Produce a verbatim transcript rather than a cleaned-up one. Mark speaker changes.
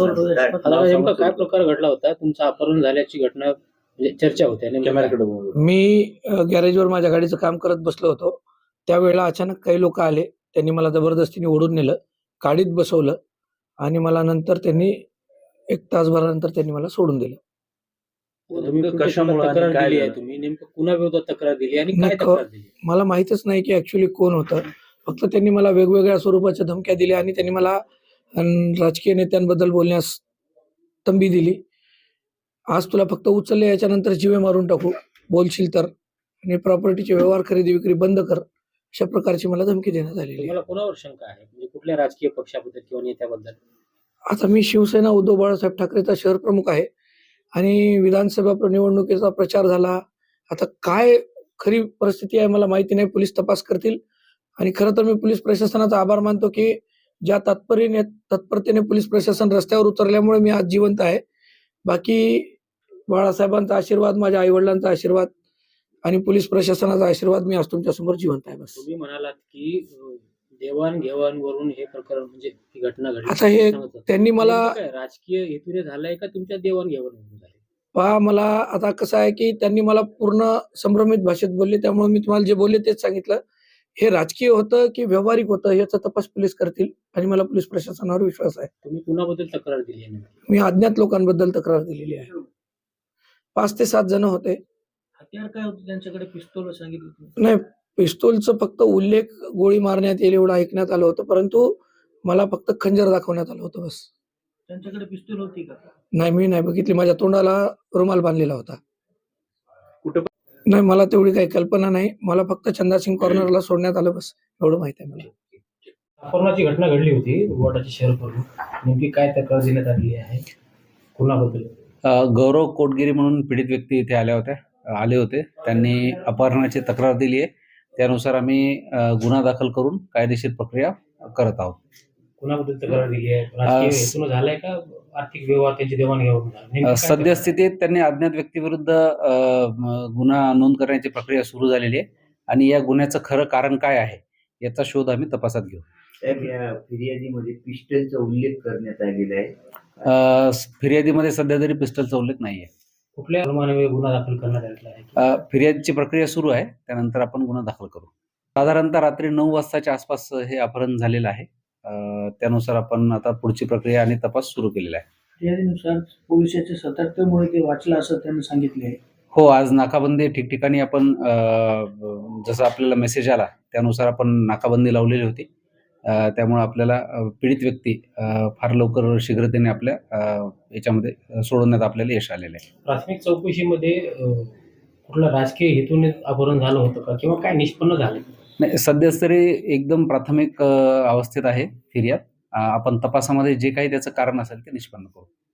Speaker 1: आता नेमका काय प्रकार घडला होता? तुमचं अपहरण झाल्याची घटना म्हणजे चर्चा होते नेमकं काय?
Speaker 2: मी अ, गॅरेजवर माझ्या गाडीचं काम करत बसलो होतो. त्यावेळेला अचानक काही लोक आले. त्यांनी मला जबरदस्तीने ओढून नेलं, गाडीत बसवलं आणि मला नंतर त्यांनी एक तासभरानंतर त्यांनी मला सोडून दिलं.
Speaker 1: तुम्ही कशामुळे तक्रार दिली आहे? तुम्ही नेमकं कुणाविरोधात तक्रार दिली आणि काय
Speaker 2: नाही, क
Speaker 1: तक्रार दिली?
Speaker 2: मला माहीतच नाही की ॲक्चुअली कोण होतं. फक्त त्यांनी मला वेगवेगळ्या स्वरूपाच्या धमक्या दिल्या आणि त्यांनी मला अन् राजकीय नेत्यांबद्दल बोलण्यास तंबी दिली. आज तुला फक्त उचलले याच्यानंतर जीवे मारून टाकू, बोलशील तर आणि प्रॉपर्टीचे व्यवहार खरेदी-विक्री बंद कर. अशा प्रकारची मला धमकी देण्यात आलेली आहे.
Speaker 1: तुम्हाला कोणावर शंका आहे? म्हणजे कुठल्या राजकीय पक्षाबद्दल किंवा नेत्याबद्दल?
Speaker 2: आता मी शिवसेना उद्धव बाळासाहेब ठाकरेचा शहर प्रमुख आहे आणि विधानसभा निवडणुकीचा प्रचार झाला. आता काय खरी परिस्थिती आहे मला माहिती नाही. पोलीस तपास करतील आणि खरं तर मी पोलीस प्रशासनाचा आभार मानतो की ज्या तात्परीने तत्परतेने पोलीस प्रशासन रस्त्यावर उतरल्यामुळे मी आज जिवंत आहे. बाकी बाळासाहेबांचा आशीर्वाद, माझ्या आई-वडिलांचा आशीर्वाद आणि पोलीस प्रशासनाचा आशीर्वाद मी आज तुमच्यासमोर जिवंत आहे बस.
Speaker 1: तुम्ही म्हणालात की अ, देवाण-घेवाणवरून हे प्रकरण म्हणजे ही घटना घडली.
Speaker 2: आता हे त्यांनी मला
Speaker 1: नेमकं काय राजकीय हेतूने झालंय का तुमच्या देवाण-घेवाणवरून झालंय?
Speaker 2: पहा मला आता कसं आहे की त्यांनी मला पूर्ण संभ्रमित भाषेत बोलले. त्यामुळे मी तुम्हाला जे बोलले तेच सांगितलं. हे राजकीय होतं की व्यावहारिक होतं याचा तपास पोलीस करतील आणि मला पोलीस प्रशासनावर विश्वास आहे.
Speaker 1: तुम्ही कुणाबद्दल तक्रार दिली आहे नेमकी?
Speaker 2: मी अज्ञात लोकांबद्दल तक्रार दिलेली आहे. पाच ते सात जण होते.
Speaker 1: हत्यार काय होतं त्यांच्याकडे? पिस्तूल सांगितलं तुम्ही?
Speaker 2: नाही, पिस्तूलचा फक्त उल्लेख गोळी मारण्यात येईल एवढं ऐकण्यात आलं होतं. परंतु मला फक्त खंजर दाखवण्यात आलं होतं बस.
Speaker 1: त्यांच्याकडे पिस्तूल होती का?
Speaker 2: नाही, मी नाही बघितली. माझ्या तोंडाला रुमाल बांधलेला होता.
Speaker 1: कुठं?
Speaker 2: नाही, मला तेवढी काही कल्पना नाही. मला फक्त चंदासिंग कॉर्नरला सोडण्यात आलं बस एवढं माहिती आहे मला.
Speaker 1: अपहरणाची घटना घडली होती वॉर्डाचे शहर प्रमुख. नेमकी काय तक्रार देण्यात आलेली आहे? कुणाबद्दल?
Speaker 3: गौरव कोटगिरी म्हणून पीडित व्यक्ती इथे आल्या होत्या आले होते. त्यांनी अपहरणाची तक्रार दिली आहे. त्यानुसार आम्ही अ, गुन्हा दाखल करून कायदेशीर प्रक्रिया करत आहोत.
Speaker 1: कुणाबद्दल तक्रार दिली आहे? राजकीय हेतून झालाय का आर्थिक व्यवहार त्यांची देवाणघेवाण झाली? नेमकी
Speaker 3: अ,
Speaker 1: काय
Speaker 3: सद्यस्थितीत त्यांनी अज्ञात व्यक्तीविरुद्ध अ, म, गुन्हा नोंद करण्याची प्रक्रिया सुरू झालेली आहे आणि या गुन्ह्याचं खरं कारण काय आहे याचा शोध आम्ही तपासात घेऊ.
Speaker 4: साहेब, या फिर्यादीमध्ये पिस्टलचा उल्लेख करण्यात आलेला आहे.
Speaker 3: अ, फिर्यादीमध्ये सध्या तरी पिस्टलचा उल्लेख नाही आहे.
Speaker 1: कुठल्या प्रमाणे गुन्हा दाखल करण्यात आलेला आहे?
Speaker 3: अ, फिर्यादीची प्रक्रिया सुरू आहे. त्यानंतर आपण गुन्हा दाखल करू. साधारणतः रात्री नऊ वाजताच्या आसपास हे अपहरण झालेलं आहे. अ, त्यानुसार आपण आता पुढची प्रक्रिया आणि तपास सुरू केलेला आहे.
Speaker 1: फिर्यादीनुसार पोलिसांच्या सतर्कतेमुळे ते वाचलं असं त्यांनी सांगितले आहे.
Speaker 3: हो, आज नाकाबंदी ठिकठिकाणी आपण अ, जसं आपल्याला मेसेज आला त्यानुसार आपण नाकाबंदी लावलेली होती. अ, त्यामुळे आपल्याला अ, पीडित व्यक्ती अ, फार लवकर शीघ्रतेने आपल्या अ, याच्यामध्ये सोडवण्यात आपल्याला यश आलेलं आहे.
Speaker 1: प्राथमिक चौकशीमध्ये अ, कुठला राजकीय हेतूने अपहरण झालं होतं का किंवा काय निष्पन्न झालं?
Speaker 3: नाही, सध्याच तरी एकदम प्राथमिक अ, अवस्थेत आहे फिर्याद. अ, आपण तपासामध्ये जे काही त्याचं कारण असेल ते निष्पन्न करू.